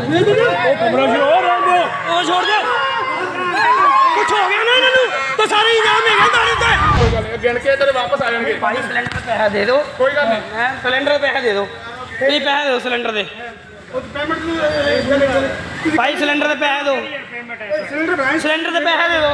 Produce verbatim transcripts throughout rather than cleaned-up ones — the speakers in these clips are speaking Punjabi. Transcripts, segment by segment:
कमरा छोड़ दो, वो छोड़ दे। कुछ हो गया ना इन्होंने तो सारे इनाम है थाने ते। कोई गल नहीं, गिन के तेरे वापस आ जाएंगे। भाई सिलेंडर पैसा दे दो, कोई गल नहीं, हैं सिलेंडर पैसा दे दो, नहीं पैसे दो सिलेंडर दे भाई, सिलेंडर दे पैसे दो, सिलेंडर दे पैसे दे दो।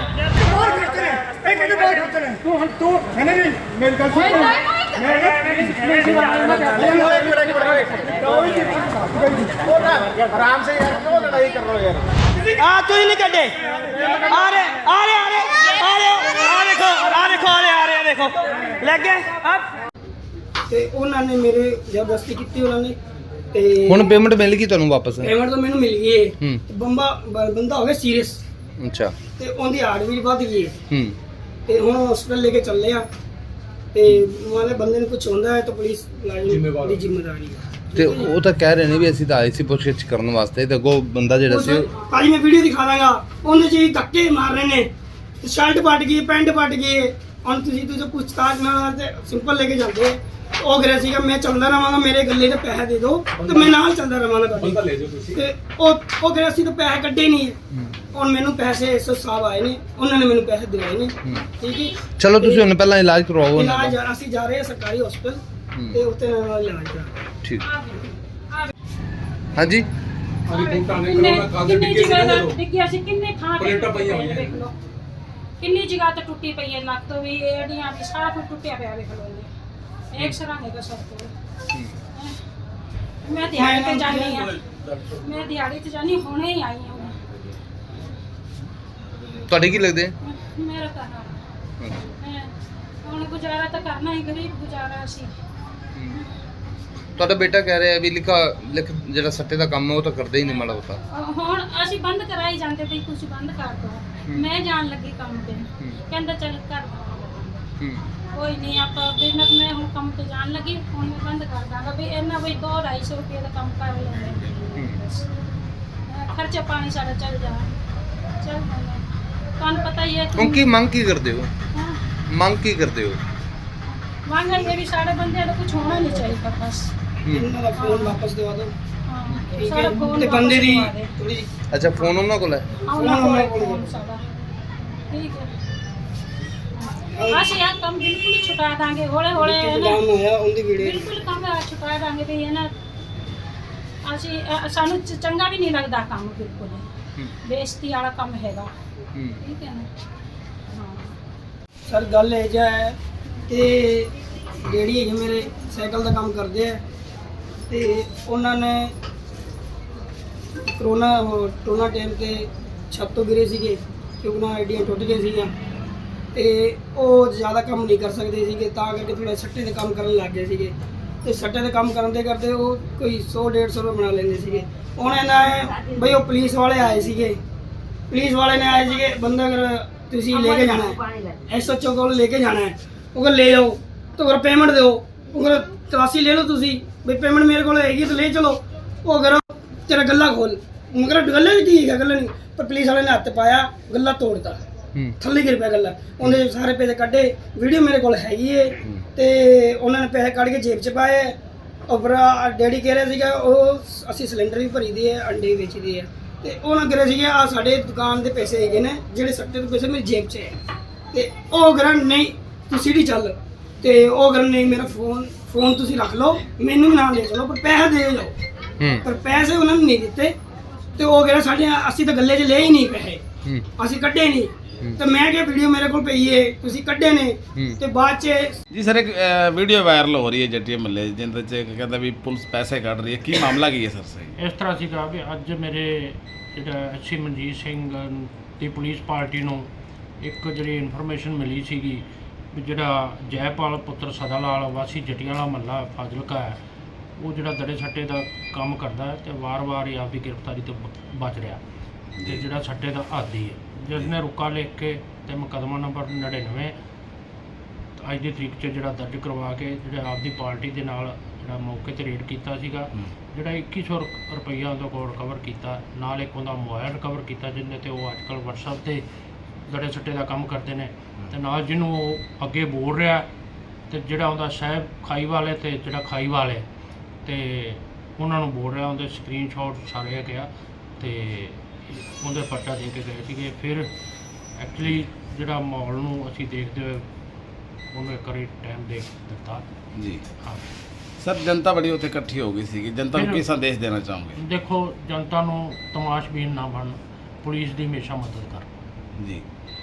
आराम से यार, क्यों लड़ाई कर रहे हो यार? आ तुझे नहीं कटे, आ रहे आ रहे आ रहे आ रहे आ देखो आ देखो आ रहे आ रहे देखो लग गए अब। ਤੇ ਉਹਨਾਂ ਨੇ ਮੇਰੇ ਜ਼ਬਰਦਸਤੀ ਕੀਤੀ ਉਹਨਾਂ ਨੇ ਤੇ ਹੁਣ ਪੇਮੈਂਟ ਮਿਲ ਗਈ ਤੁਹਾਨੂੰ ਵਾਪਸ? ਪੇਮੈਂਟ ਤਾਂ ਮੈਨੂੰ ਮਿਲ ਗਈ ਹੈ। ਹੂੰ। ਬੰਬਾ ਬੰਦਾ ਹੋ ਗਿਆ ਸੀਰੀਅਸ, ਅੱਛਾ। ਤੇ ਉਹਦੀ ਹਾਰਟ ਵੀ ਵੱਧ ਗਈ ਹੈ ਹੂੰ। ਤੇ ਹੁਣ ਹਸਪੀਟਲ ਲੈ ਕੇ ਚੱਲੇ ਆ ਤੇ ਮਾਲੇ ਬੰਦੇ ਨੂੰ ਕੁਝ ਹੁੰਦਾ ਹੈ ਤਾਂ ਪੁਲਿਸ ਲਾਜ਼ਮੀ ਦੀ ਜ਼ਿੰਮੇਵਾਰੀ ਹੈ। ਤੇ ਉਹ ਤਾਂ ਕਹਿ ਰਹੇ ਨੇ ਵੀ ਅਸੀਂ ਤਾਂ ਆਏ ਸੀ ਪੁੱਛਗਿੱਛ ਕਰਨ ਵਾਸਤੇ, ਤੇ ਅੱਗੋਂ ਬੰਦਾ ਜਿਹੜਾ ਸੀ ਭਾਜੀ ਮੈਂ ਵੀਡੀਓ ਦਿਖਾ ਦਾਂਗਾ, ਉਹਦੇ ਚ ਹੀ ਧੱਕੇ ਮਾਰ ਰਹੇ ਨੇ, ਸ਼ਰਟ ਪਟ ਗਈ, ਪੈਂਟ ਪਟ ਗਈ। ਹੁਣ ਤੁਸੀਂ ਤੁਸੀਂ ਪੁੱਛਤਾਛ ਨਾਲ ਤੇ ਸਿੰਪਲ ਲੈ ਕੇ ਜਾਂਦੇ। ਉਹ ਕਰਿਆ ਸੀਗਾ ਮੈਂ ਚੱਲਦਾ ਰਹਾਂਗਾ, ਮੇਰੇ ਗੱਲੇ ਦੇ ਪੈਸੇ ਦੇ ਦਿਓ ਤੇ ਮੈਂ ਨਾਲ ਚੱਲਦਾ ਰਹਾਂਗਾ ਤੁਹਾਡੇ। ਤੇ ਉਹ ਉਹ ਕਰਿਆ ਸੀ ਤਾਂ ਪੈਸੇ ਕੱਢੇ ਨਹੀਂ। ਹੁਣ ਮੈਨੂੰ ਪੈਸੇ ਐਸਓ ਸਾਹਿਬ ਆਏ ਨੇ, ਉਹਨਾਂ ਨੇ ਮੈਨੂੰ ਪੈਸੇ ਦਿਵਾਏ ਨੇ। ਠੀਕ ਹੈ, ਚਲੋ ਤੁਸੀਂ ਹੁਣ ਪਹਿਲਾਂ ਇਲਾਜ ਕਰਵਾਓ ਉਹਨਾਂ ਇਲਾਜ ਦਾ। ਅਸੀਂ ਜਾ ਰਹੇ ਹਾਂ ਸਰਕਾਰੀ ਹਸਪਤਾਲ ਤੇ ਉੱਥੇ ਨਾਲ ਇਲਾਜ ਕਰਾ। ਠੀਕ। ਹਾਂਜੀ ਕਿੰਨੀ ਜਗ੍ਹਾ ਦਾ ਡਿੱਗਿਆ ਸੀ, ਕਿੰਨੇ ਥਾਂ ਤੇ ਪਈਆਂ ਹੋਈਆਂ ਦੇਖ ਲਓ, ਕਿੰਨੀ ਜਗ੍ਹਾ ਤੇ ਟੁੱਟੀ ਪਈ ਹੈ, ਲੱਤ ਵੀ ਏੜੀਆਂ ਵੀ ਸਾਰਾ ਕੁਝ ਟੁੱਟਿਆ ਪਿਆ ਵੇਖ ਲਓ। ਇੱਕ ਸਰਾਂ ਹੈਗਾ ਸਭ ਤੋਂ। ਮੈਂ ਦਿਹਾੜੀ ਤੇ ਜਾਣੀ ਆ, ਮੈਂ ਦਿਹਾੜੀ ਤੇ ਜਾਣੀ ਹੁਣੇ ਹੀ ਆਈ ਹਾਂ। ਤੁਹਾਡੇ ਕੀ ਲੱਗਦੇ? ਮੇਰਾ ਤਾਂ ਹੈ ਹੁਣ ਗੁਜ਼ਾਰਾ ਤਾਂ ਕਰਨਾ ਹੀ, ਗਰੀਬ ਗੁਜ਼ਾਰਾ ਸੀ। ਤੁਹਾਡਾ ਬੇਟਾ ਕਹਿ ਰਿਹਾ ਵੀ ਲਿਖਾ ਲਿਖ ਜਿਹੜਾ ਸੱਟੇ ਦਾ ਕੰਮ ਹੈ ਉਹ ਤਾਂ ਕਰਦਾ ਹੀ ਨਹੀਂ ਮਾੜਾ ਹੋਤਾ। ਹੁਣ ਅਸੀਂ ਬੰਦ ਕਰਾਈ ਜਾਂਦੇ ਵੀ ਤੁਸੀਂ ਬੰਦ ਕਰ ਦਿਓ। ਮੈਂ ਜਾਣ ਲੱਗੀ ਕੰਮ ਤੇ, ਕਹਿੰਦਾ ਚੱਲ ਕਰ ਦੋ। ਕੋਈ ਨਹੀਂ ਆਪਾਂ ਬਿਨਾਂ ਮੈਂ ਹੁਣ ਕੰਮ ਤੇ ਜਾਣ ਲੱਗੀ, ਹੁਣ ਮੈਂ ਬੰਦ ਕਰ ਦਾਂਗਾ ਵੀ ਇਹਨਾਂ ਵੀ ਦੋ ਢਾਈ ਸੌ ਰੁਪਏ ਦਾ ਕੰਮ ਕਰ ਲੈਂਦੇ, ਖਰਚਾ ਪਾਣੀ ਸਾਡਾ ਚੱਲ ਜਾ ਚੱਲ ਜਾਂਦਾ। ਤੁਹਾਨੂੰ ਪਤਾ ਹੀ ਹੈ ਹੁਣ ਕੀ ਮੰਗ ਕੀ ਕਰਦੇ ਹੋ? ਹਾਂ, ਮੰਗ ਕੀ ਕਰਦੇ ਹੋ? ਮੰਗ ਇਹ ਵੀ ਸਾਡੇ ਬੰਦਿਆਂ ਦਾ ਕੁਝ ਹੋਣਾ ਨਹੀਂ ਚਾਹੀਦਾ ਬਸ। ਇਹਨਾਂ ਦਾ ਫੋਨ ਵਾਪਸ ਦਿਵਾ ਦਿਓ। ਹਾਂ, ਠੀਕ ਸਾਡਾ ਹੈ, ਫੋਨ ਤੇ ਬੰਦੇ ਦੀ ਵਾਪਸ ਦਵਾ ਥੋੜੀ ਦੇ। ਅੱਛਾ, ਫੋਨ ਉਹਨਾਂ ਕੋਲ ਹੈ? ਉਹਨਾਂ ਕੋਲ ਫੋਨ ਸਾਡਾ, ਠੀਕ ਹੈ। ਅਸੀਂ ਆ ਕੰਮ ਬਿਲਕੁਲ ਹੀ ਛੁਟਾ ਦਾਂਗੇ ਹੌਲੇ ਹੌਲੇ ਨਾਮ ਹੋਇਆ ਉਹਦੀ ਵੀਡੀਓ। ਬਿਲਕੁਲ ਕੰਮ ਛੁਟਾ ਦਾਂਗੇ ਵੀ ਇਹ ਨਾ ਅਸੀਂ ਅ, ਸਾਨੂੰ ਚ- ਚੰਗਾ ਵੀ ਨਹੀਂ ਲੱਗਦਾ ਕੰਮ, ਬਿਲਕੁਲ ਹੀ ਬੇਇੱਜ਼ਤੀ ਵਾਲਾ ਕੰਮ ਹੈਗਾ। ਠੀਕ ਹੈ ਨਾ? ਹਾਂ ਸਰ ਗੱਲ ਇਹ ਜਿਹਾ ਹੈ ਕਿ ਜਿਹੜੀ ਹੈਗੀ ਮੇਰੇ ਸਾਈਕਲ ਦਾ ਕੰਮ ਕਰਦੇ ਆ ਤੇ ਉਹਨਾਂ ਨੇ ਕਰੋਨਾ ਕਰੋਨਾ ਟਾਈਮ ਤੇ ਛੱਤ ਤੋਂ ਗਿਰੇ ਸੀਗੇ ਕਿਉਂਕਿ ਨਾ ਆਈਡੀਆਂ ਟੁੱਟ ਗਏ ਸੀਗੀਆਂ ਤੇ ਉਹ ਜ਼ਿਆਦਾ ਕੰਮ ਨਹੀਂ ਕਰ ਸਕਦੇ ਸੀਗੇ, ਤਾਂ ਕਰਕੇ ਥੋੜਾ ਸੱਟੇ ਦੇ ਕੰਮ ਕਰਨ ਲੱਗ ਗਏ ਸੀਗੇ। ਤੇ ਸੱਟੇ ਦੇ ਕੰਮ ਕਰਨ ਦੇ ਕਰਦੇ ਉਹ ਕੋਈ ਸੌ ਡੇਢ ਸੌ ਰੁਪਏ ਬਣਾ ਲੈਂਦੇ ਸੀਗੇ। ਹੁਣ ਇਹਨਾਂ ਨੇ ਬਈ ਉਹ ਪੁਲਿਸ ਵਾਲੇ ਆਏ ਸੀਗੇ, ਪੁਲਿਸ ਵਾਲੇ ਨੇ ਆਏ ਸੀਗੇ ਬੰਦਾ ਅਗਰ ਤੁਸੀਂ ਲੈ ਕੇ ਜਾਣਾ ਹੈ ਐਸਐਚਓ ਕੋਲ ਲੈ ਕੇ ਜਾਣਾ ਹੈ, ਉਹ ਕਹਿੰਦਾ ਲੈ ਜਾਓ ਤਾਂ ਅਗਰ ਪੇਮੈਂਟ ਦਿਓ, ਉਹ ਕਹਿੰਦਾ ਤਲਾਸ਼ੀ ਲੈ ਲਓ ਤੁਸੀਂ ਬਈ ਪੇਮੈਂਟ ਮੇਰੇ ਕੋਲ ਹੈਗੀ ਤਾਂ ਲੈ ਚਲੋ। ਉਹ ਅਗਰ ਤੇਰਾ ਗੱਲਾ ਖੋਲ, ਉਹ ਕਹਿੰਦਾ ਗੱਲੇ ਵੀ ਠੀਕ ਹੈ ਗੱਲੇ ਨਹੀਂ, ਪਰ ਪੁਲਿਸ ਵਾਲੇ ਨੇ ਹੱਥ ਪਾਇਆ, ਗੱਲਾ ਤੋੜਤਾ, ਥੱਲੇ ਗਿਰ ਪਿਆ ਗੱਲਾ। ਉਹਦੇ ਸਾਰੇ ਪੈਸੇ ਕੱਢੇ, ਵੀਡੀਓ ਮੇਰੇ ਕੋਲ ਹੈਗੀ ਏ ਤੇ ਉਹਨਾਂ ਨੇ ਪੈਸੇ ਕੱਢ ਕੇ ਜੇਬ 'ਚ ਪਾਏ। ਔਰ ਡੈਡੀ ਕਹਿ ਰਿਹਾ ਸੀਗਾ ਉਹ ਅਸੀਂ ਸਿਲੰਡਰ ਵੀ ਭਰੀ ਦੀ ਹੈ, ਅੰਡੇ ਵੀ ਵੇਚਦੇ ਆ ਤੇ ਉਹਨਾਂ ਕਹਿ ਰਹੇ ਸੀਗੇ ਆ ਸਾਡੇ ਦੁਕਾਨ ਦੇ ਪੈਸੇ ਹੈਗੇ ਨੇ ਜਿਹੜੇ ਸੱਟੇ ਦੇ ਪੈਸੇ ਮੇਰੀ ਜੇਬ 'ਚ ਹੈ। ਤੇ ਉਹ ਗਰਨ ਨਹੀਂ ਤੂੰ ਸੀੜੀ ਚੱਲ, ਤੇ ਉਹ ਗਰਨ ਨਹੀਂ ਮੇਰਾ ਫੋਨ ਫੋਨ ਤੁਸੀਂ ਰੱਖ ਲਓ, ਮੈਨੂੰ ਵੀ ਨਾਲ ਲੈ ਚਲੋ ਪਰ ਪੈਸੇ ਦੇ ਜਾਓ। ਪਰ ਪੈਸੇ ਉਹਨਾਂ ਨੇ ਨਹੀਂ ਦਿੱਤੇ ਤੇ ਉਹ ਕਹਿੰਦਾ ਸਾਡੇ ਅਸੀਂ ਤਾਂ ਗੱਲੇ 'ਚ ਲਏ ਹੀ ਨਹੀਂ ਪੈਸੇ, ਅਸੀਂ ਕੱਢੇ ਨਹੀਂ। ਤੇ ਮੈਂ ਕਿਹਾ ਵੀਡੀਓ ਮੇਰੇ ਕੋਲ ਪਈ ਏ, ਤੁਸੀਂ ਕੱਢੇ ਨੇ ਤੇ ਬਾਅਦ 'ਚ ਜੀ ਸਰ ਇੱਕ ਵੀਡੀਓ ਵਾਇਰਲ ਹੋ ਰਹੀ ਹੈ ਜੱਟੀਆਂ ਮੱਲੇ ਜਿੰਦੇ 'ਚ ਕਹਿੰਦਾ ਵੀ ਪੁਲਿਸ ਪੈਸੇ ਕੱਢ ਰਹੀ ਹੈ, ਕੀ ਮਾਮਲਾ ਕੀ ਹੈ ਸਰ? ਸਹੀ ਇਸ ਤਰ੍ਹਾਂ ਸੀਗਾ ਕਿ ਅੱਜ ਮੇਰੇ ਜਿਹੜਾ ਐਸਸੀ ਮਨਜੀਤ ਸਿੰਘ ਦੀ ਪੁਲਿਸ ਪਾਰਟੀ ਨੂੰ ਇੱਕ ਜਿਹੜੀ ਇਨਫੋਰਮੇਸ਼ਨ ਮਿਲੀ ਸੀਗੀ ਵੀ ਜਿਹੜਾ ਜੈਪਾਲ ਪੁੱਤਰ ਸਦਾ ਲਾਲ ਵਾਸੀ ਜੱਟੀਆਂ ਵਾਲਾ ਮਹੱਲਾ ਫਾਜ਼ਿਲਕਾ ਹੈ, ਉਹ ਜਿਹੜਾ ਦੜੇ ਸੱਟੇ ਦਾ ਕੰਮ ਕਰਦਾ ਹੈ ਤੇ ਵਾਰ-ਵਾਰ ਹੀ ਆਪਦੀ ਗ੍ਰਿਫਤਾਰੀ ਤੋਂ ਬਚ ਰਿਹਾ ਤੇ ਜਿਹੜਾ ਸੱਟੇ ਦਾ ਆਦੀ ਹੈ, ਜਿਸ ਨੇ ਰੁਕਾ ਲਿਖ ਕੇ ਤੇ ਮੁਕੱਦਮਾ ਨੰਬਰ ਨੜਿਨਵੇਂ ਅੱਜ ਦੀ ਤਰੀਕ 'ਚ ਜਿਹੜਾ ਦਰਜ ਕਰਵਾ ਕੇ ਜਿਹੜਾ ਆਪਦੀ ਪਾਰਟੀ ਦੇ ਨਾਲ ਜਿਹੜਾ ਮੌਕੇ 'ਤੇ ਰੇਡ ਕੀਤਾ ਸੀਗਾ, ਜਿਹੜਾ ਇੱਕੀ ਸੌ ਰੁਪਈਆ ਉਹਦੇ ਕੋਲ ਰਿਕਵਰ ਕੀਤਾ, ਨਾਲ ਇੱਕ ਉਹਦਾ ਮੋਬਾਈਲ ਰਿਕਵਰ ਕੀਤਾ ਜਿਹਦੇ 'ਤੇ ਉਹ ਅੱਜ ਕੱਲ੍ਹ ਵਟਸਐਪ 'ਤੇ ਦੜੇ ਸੱਟੇ ਦਾ ਕੰਮ ਕਰਦੇ ਨੇ ਤੇ ਨਾਲ ਜਿਹਨੂੰ ਉਹ ਅੱਗੇ ਬੋਲ ਰਿਹਾ ਤੇ ਜਿਹੜਾ ਉਹਦਾ ਸਾਹਿਬ ਖਾਈ ਵਾਲੇ ਤੇ ਜਿਹੜਾ ਖਾਈ ਵਾਲੇ ਤੇ ਉਹਨਾਂ ਨੂੰ ਬੋਲ ਰਿਹਾ, ਉਹਦੇ ਸਕਰੀਨਸ਼ਾਟ ਸਾਰੇ ਹੈਗੇ ਆ ਤੇ ਉਹਦੇ ਪਰਚਾ ਦੇ ਕੇ ਗਏ ਸੀਗੇ। ਫਿਰ ਐਕਚੁਅਲੀ ਜਿਹੜਾ ਮਾਹੌਲ ਨੂੰ ਅਸੀਂ ਦੇਖਦੇ ਹੋਏ ਉਹਨੂੰ ਇੱਕ ਵਾਰੀ ਟਾਈਮ ਦੇ ਦਿੱਤਾ। ਜੀ ਹਾਂ, ਸਰ ਜਨਤਾ ਬੜੀ ਉੱਥੇ ਇਕੱਠੀ ਹੋ ਗਈ ਸੀਗੀ, ਜਨਤਾ ਨੂੰ ਕੀ ਸੰਦੇਸ਼ ਦੇਣਾ ਚਾਹੋਗੇ? ਦੇਖੋ ਜਨਤਾ ਨੂੰ ਤਮਾਸ਼ਬੀਨ ਨਾ ਬਣਨ, ਪੁਲਿਸ ਦੀ ਹਮੇਸ਼ਾ ਮਦਦ ਕਰ। ਜੀ